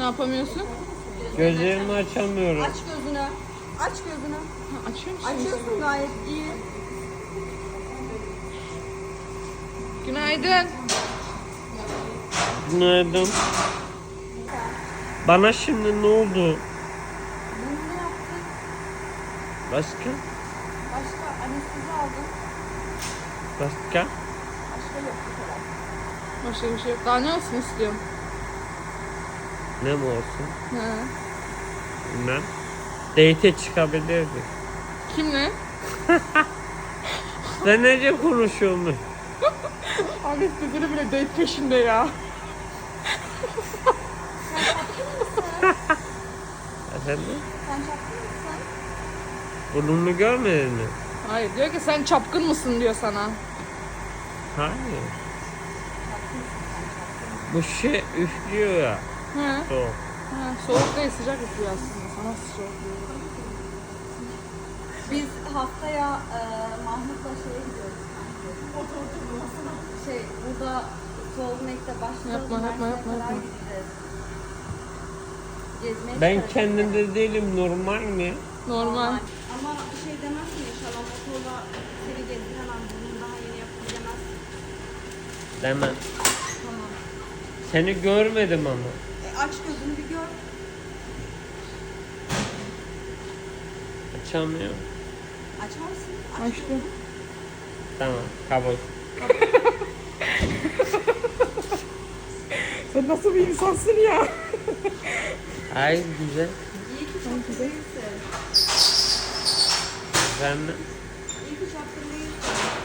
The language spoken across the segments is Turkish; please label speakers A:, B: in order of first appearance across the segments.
A: Ne yapamıyorsun?
B: Gözlerimi açamıyorum.
C: Aç gözünü. Aç gözünü.
A: Ha, açıyor musun?
C: Açıyorsun gayet iyi.
A: Günaydın.
B: Günaydın. Bana şimdi ne oldu?
C: Bunu ne yaptın?
B: Başka?
C: Başka anestezi aldın.
B: Başka?
C: Başka yok bu kadar.
A: Başka bir şey yok. Daha ne olsun istiyorum?
B: Ne mi olsun?
A: Ha.
B: Bilmem. Date'e çıkabilirdik.
A: Kimle?
B: Sen nece konuşuyorsun?
A: Abi sizleri bile date peşinde ya.
B: Efendim?
C: Sen çapkın mısın?
B: Burnunu görmedin mi?
A: Hayır diyor ki sen çapkın mısın diyor sana.
B: Hayır. Bu şey üflüyor ya.
A: Ha.
B: Soğuk.
A: Ha, soğuk değil sıcak yapıyor aslında. Sana soğuk diyor.
C: Biz haftaya Mahmut'la şeye gidiyoruz. Burada Soulmate'de başlıyoruz.
A: Yapma, yapma,
C: Mersin'e
A: yapma,
C: kadar
A: yapma.
C: gideceğiz. Gezmeye
B: Ben
C: çıkarız.
B: kendimde değilim, normal mi?
A: Normal.
C: Ama şey demezsin inşallah motorla seni gezdiremem. Bunu daha yeni yaptım demezsin.
B: Demem.
C: Tamam.
B: Seni görmedim ama.
C: Aç gözünü bir gör.
B: Açamıyorum.
C: Açar mısın? Aç
A: Açtım.
C: gözünü.
B: Tamam, kabul.
A: Sen nasıl bir insansın ya?
B: Hayır, güzel.
C: İyi ki çapkın değilsin.
B: Efendim?
C: İyi ki çapkın değilsin.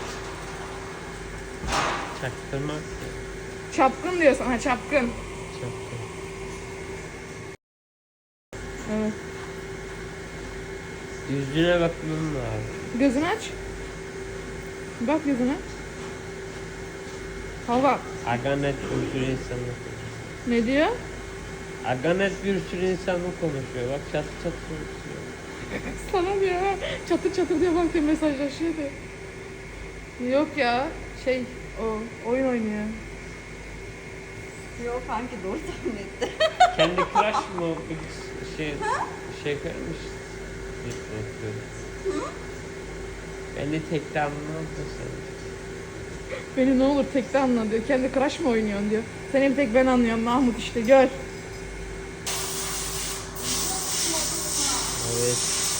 B: Çaktırmak.
A: Çapkın diyorsun. Ha çapkın.
B: Çaktır.
A: Evet.
B: Yüzüne bakmam lazım.
A: Gözünü aç. Bak gözüne. Hava.
B: Aganet bir sürü insanla
A: Ne diyor?
B: Aganet bir sürü insanla konuşuyor. Bak çat çat konuşuyor.
A: Sana diyor ha. Çatır çatır diyor bak diyor mesajlaşıyor diyor. Yok ya. O oyun oynuyor.
C: Yok kanki doğru tahmin etti.
B: Kendi crush mı bir şey koymuş. Beni tekte anlamazdı sen.
A: Beni ne olur tekte anla diyor. Kendi crush mı oynuyorsun diyor. Seni bir tek ben anlıyorum Mahmut işte gör.
B: Evet.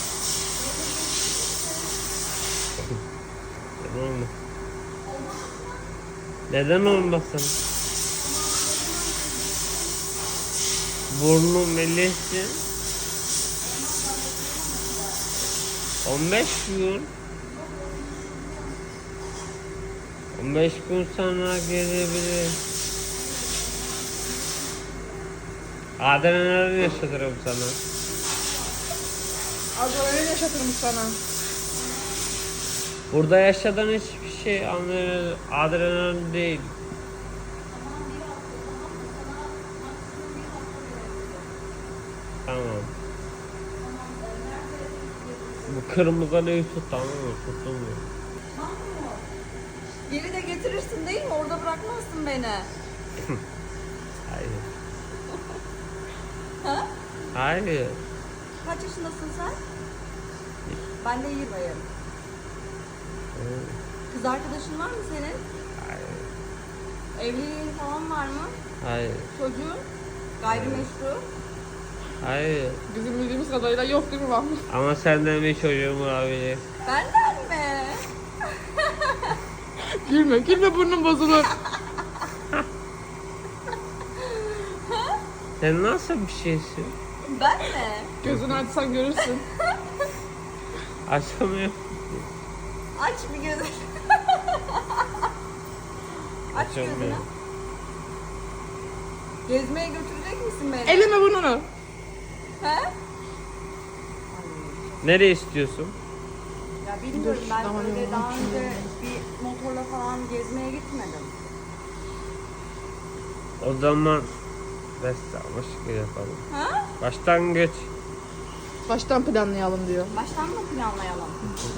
B: Neden olmasın? Neden olmasın? Burnum melihti. 15 gün. 15 gün sonra gelebilir. Adrenalin yaşatırım sana.
A: Adrenalin yaşatırım sana.
B: Burada yaşadığın hiçbir şey adrenalin değil. Tamam. Bu kırmızı neyi tut, tamam mı? Tutulmuyor.
C: Geri de getirirsin değil mi? Orada bırakmazsın beni.
B: Hayır.
C: Ha?
B: Hayır.
C: Kaç yaşındasın sen? Ben de 20'yim. Kız arkadaşın var mı senin?
B: Hayır.
C: Evliliğin falan var mı?
B: Hayır.
C: Çocuğun? Gayrimeşru?
B: Hayır.
A: Bizim bildiğimiz kadarıyla yok değil mi Mahmut?
B: Ama senden bir çocuğum olabilir.
C: Benden mi?
A: Gülme, gülme burnun bozulur.
B: Sen nasıl bir şeysin?
C: Ben mi?
A: Gözünü açsan görürsün.
B: Açamıyorum.
C: Aç bir gözünü. Aç gözünü.
B: Açamıyorum.
C: Gezmeye götürecek misin beni?
A: Elime burnunu.
C: He?
B: Nereye istiyorsun?
C: Ya bilmiyorum
A: Dur,
C: ben
A: tamam,
C: öyle
A: yolunu
C: daha
A: açayım.
C: önce bir motorla falan gezmeye gitmedim.
B: O zaman başka yapalım.
C: Ha?
B: Başlangıç.
A: Baştan planlayalım diyor.
C: Baştan mı planlayalım?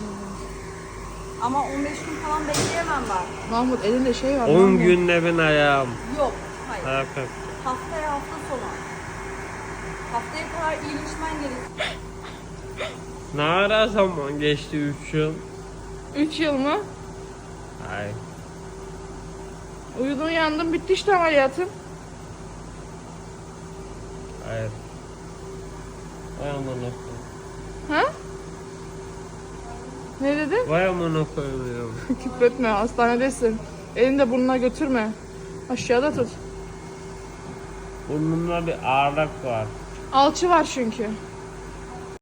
C: Ama 15 gün falan bekleyemem ben.
A: Mahmut elinde şey var.
B: 10
A: Mahmut.
B: günle ben ayağım.
C: Yok, hayır.
B: Ayak kalktı.
C: Haftaya hafta sonu. Haftaya kadar iyileşmen gerek.
B: Ne ara zaman geçti 3 yıl?
A: 3 yıl mı?
B: Ay.
A: Uyudun yandın bitti işte ameliyatın.
B: Hayır. Vay amına koyayım.
A: Ha? Ne dedin?
B: Vay amına koyayım.
A: Küfretme, hastanedesin. Elini de burnuna götürme. Aşağıda tut.
B: Burnumda bir ağırlık var.
A: Alçı var çünkü.